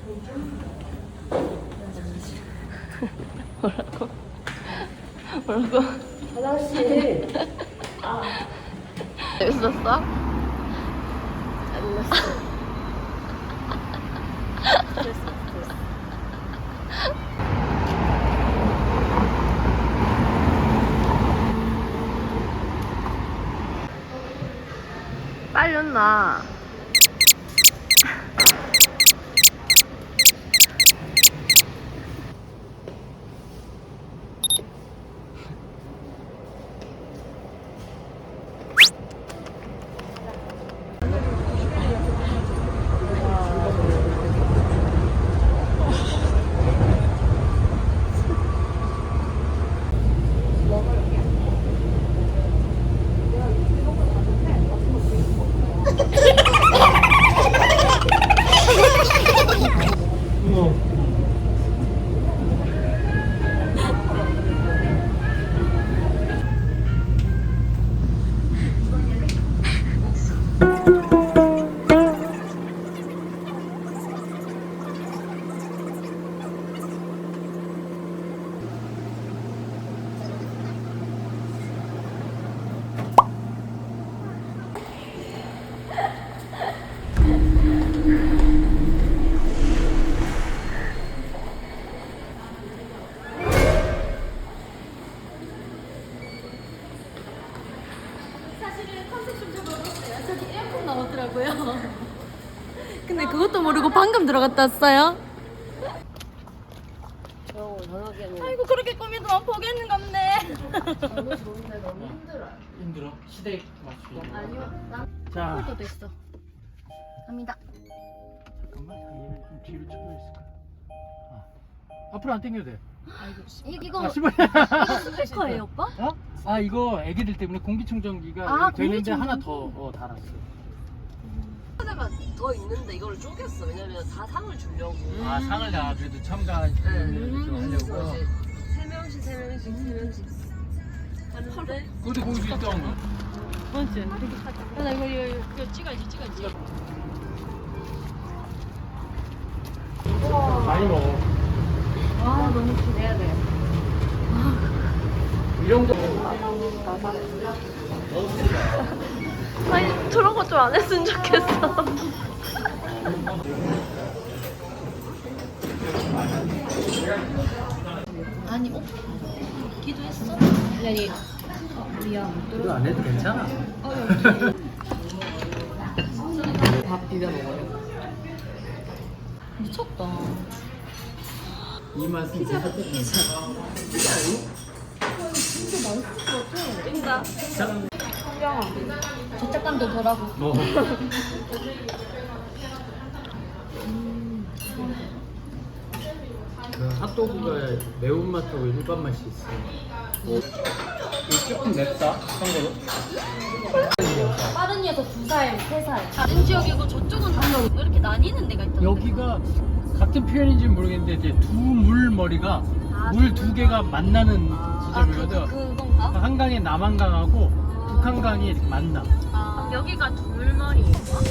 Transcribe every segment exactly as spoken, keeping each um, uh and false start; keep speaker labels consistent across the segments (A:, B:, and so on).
A: 뭐라고? 뭐라고?
B: 화장실.
A: 재밌었어? 재밌었어.
B: 스트레스, 스트레스.
A: 빨리 온나.
C: 사실은 컨셉 좀 적어봤어요. 저기 에어컨 나오더라고요. 근데 그것도 모르고 방금 들어갔다 왔어요.
B: 저 저녁에는
C: 아이고 그렇게 꾸미더만 보겠는 건데.
B: 너무 좋은데 너무 힘들어.
D: 힘들어? 시대에 맞추기.
B: 아니요. 난
D: 자,
C: 도 됐어. 갑니다.
D: 잠깐만. 얘를 좀 뒤로 쳐야 있을까? 아. 앞으로 안 당겨도 돼.
C: 이, 이거
D: 아, 씨발.
C: 이거 스피커예요, 오빠?
D: 어? 아, 이거 애기들 때문에 공기청정기가
C: 아,
D: 이렇게 되는데
C: 공기청정기?
D: 하나 더 어, 달았어.
B: 하다가 더 있는데 이걸 쪼갰어. 왜냐면 다 상을 주려고.
D: 아, 상을 다 그래도 첨가 좀
B: 그래서
D: 하려고.
B: 이제 세 명씩 세 명씩 세 명씩 하는데
D: 근데 거기서 있던 거.
C: 맞지? 나 이거 이거 이거 찍어야지, 찍어야지.
D: 많이 먹어.
C: 아 너무 기대야 돼.
D: 이런 거.
A: 아니, 저런 거 좀 안 했으면 좋겠어.
C: 아니, 어? 기도했어? 아니, 미안.
D: 이거 안 해도 괜찮아.
B: 밥 비벼 먹어요.
C: 미쳤다.
D: 이 맛은 진짜 괜찮아.
A: 찐다.
C: 죄책감도 덜하고.
D: 뭐. 그 핫도그가 매운맛하고 일반 맛이 있어. 이거 조금 맵다, 참고로.
C: 빠른 녀석 두 살, 세 살. 다른 지역이고 저쪽은 다 이렇게 나뉘는 데가 있던데.
D: 여기가 같은 표현인지 모르겠는데 이제 두 물머리가 물 두 개가 만나는
C: 아, 그,
D: 지점이거든.
C: 그, 그건가?
D: 한강에 남한강하고 북한강이 만나.
C: 아, 여기가 둘머리인가?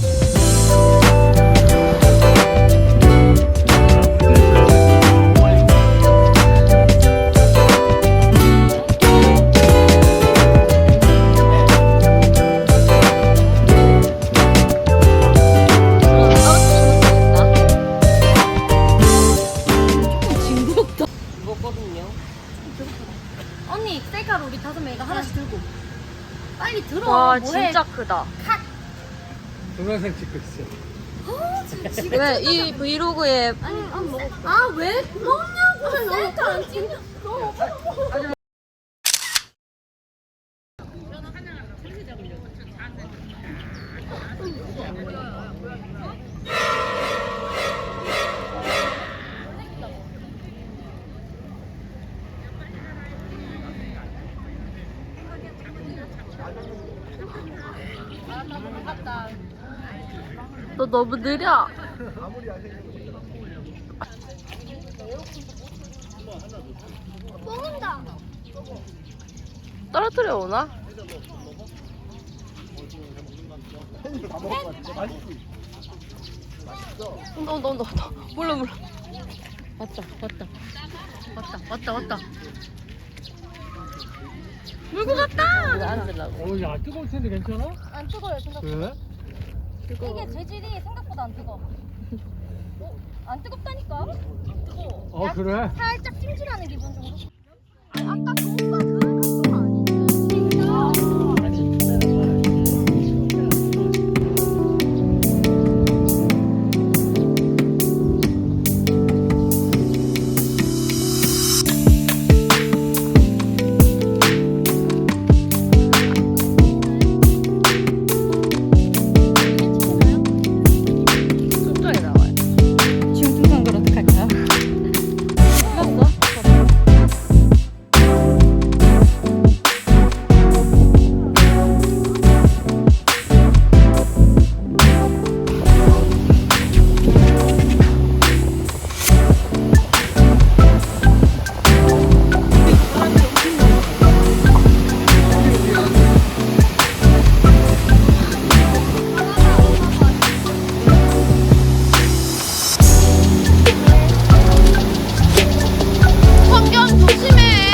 B: 죽었거든요.
C: 언니, 셀카로 우리 다섯 명이가 하나씩 들고. 빨리 들어.
A: 와,
C: 뭐해?
A: 진짜 크다.
D: 동영상 찍고 있어.
A: 왜 이 브이로그에
C: 아니, 안 먹어. 아, 왜? 먹냐고. 셀카 안 찍냐?
A: 너 너무 느려.
C: 먹는다.
A: 떨어뜨려 오나? 온다 온다 온다 온다. 몰라 몰라.
C: 왔다 왔다 왔다 왔다 왔다.
A: 물고 갔다.
B: 앉으려고.
D: 어, 야, 뜨거울 텐데 괜찮아?
C: 안 뜨거워요 생각보다.
D: 그래?
C: 이게 재질이 생각보다 안 뜨거. 어? 안 뜨겁다니까?
D: 어, 그래?
C: 살짝 찜질하는 기분 정도. 아니 아까 그 오빠 그 각도가 아닌데.
A: 순정이 나와요.
C: 지금 중간 걸 어떡할까? 끝났어?
A: 환경 조심해.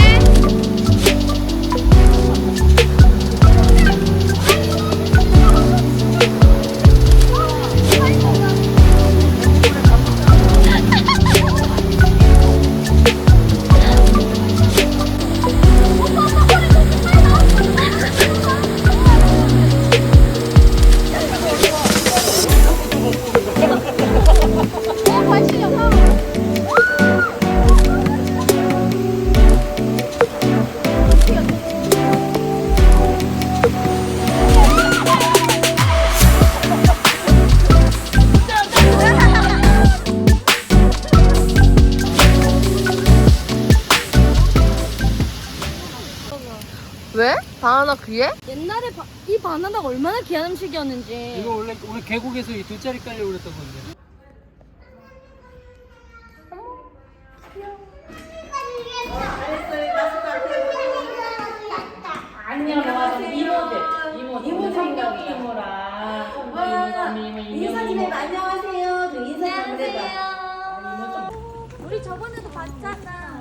A: 왜? 바나나 귀에?
C: 옛날에 바, 이 바나나가 얼마나 귀한 음식이었는지.
D: 이거 원래 우리 계곡에서 이 돗자리 깔려고 그랬던 건데.
E: 안녕하세요. 이모들. 이모, 이모 성경 이모랑. 이모, 이모,
F: 인사 좀 해봐. 안녕하세요. 좀 인사 좀 해봐.
C: 우리 저번에도 봤잖아.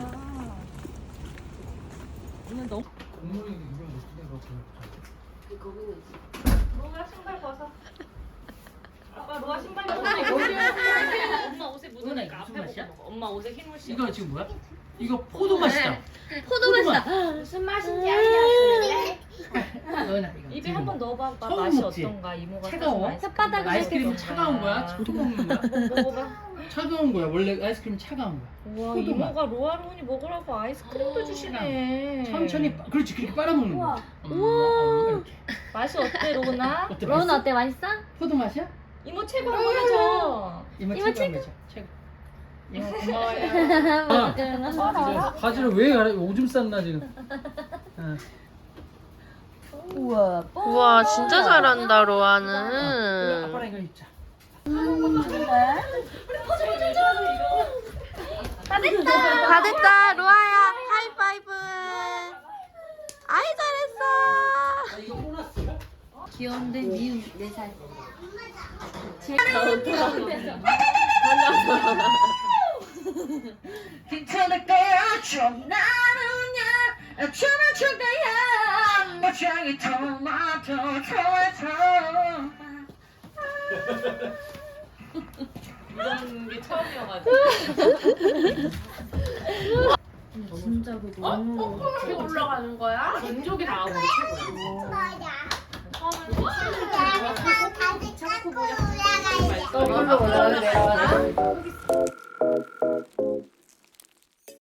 D: 국물이 이거 어떻게 그렇게
B: 거기는
E: 로아 신발 벗어. 아빠 로아 신발 벗어. 엄마 옷에 묻으니까 앞에 보고 먹어. 엄마 옷에 힘을 씌워.
D: 이거 지금 뭐야? 이거 포도 맛이다.
C: 포도 맛이다.
E: 무슨 맛인지 알려줄래?
D: 너나 이거
E: 입에 한 번 넣어봐.
D: 처음
E: 맛이
D: 먹지?
E: 어떤가? 이모가
D: 차가워?
E: 사준
C: 혓바닥을
D: 아이스크림은
E: 어떤가?
D: 차가운 거야? 초록 먹는 거야?
E: 먹어봐.
D: 차가운 거야. 원래 아이스크림 차가운 거야.
E: 우와
D: 포도 맛.
E: 이모가 로아로운이 먹으라고 아이스크림도 주시네.
D: 천천히 빠- 그렇지 그렇게 빨아먹는 거야.
C: 우와.
D: 이렇게.
E: 맛이 어때 로운아?
D: 어때?
C: 로운
D: 맛있어?
C: 어때? 맛있어?
D: 포도 맛이야?
E: 이모 최고 한번 해줘.
D: 이모
C: 이모
D: 최고 한번 최고.
E: 이모 고마워요.
D: 아,
C: 먹어라.
D: 바지를 왜 알아? 오줌 쌌나 지금. 어.
C: 우와.
A: 우와 진짜 잘한다
D: 그래,
A: 로아는.
D: 아빠랑 이거 입자.
C: 다 됐다.
A: 다 됐다 로아야 하이파이브. 아이 잘했어.
D: 이거 보너스야?
C: 귀여운데 미운 네 살.
F: 괜찮을 거야. 좀 나누냐. 춤을 출 거야. 모창이 토마토 토마토.
E: 이런 게 처음이어가지고.
C: 진짜 그거.
E: 어? 올라가는 거야? 왼쪽이 나오고
F: 거꾸로 올라가야 돼.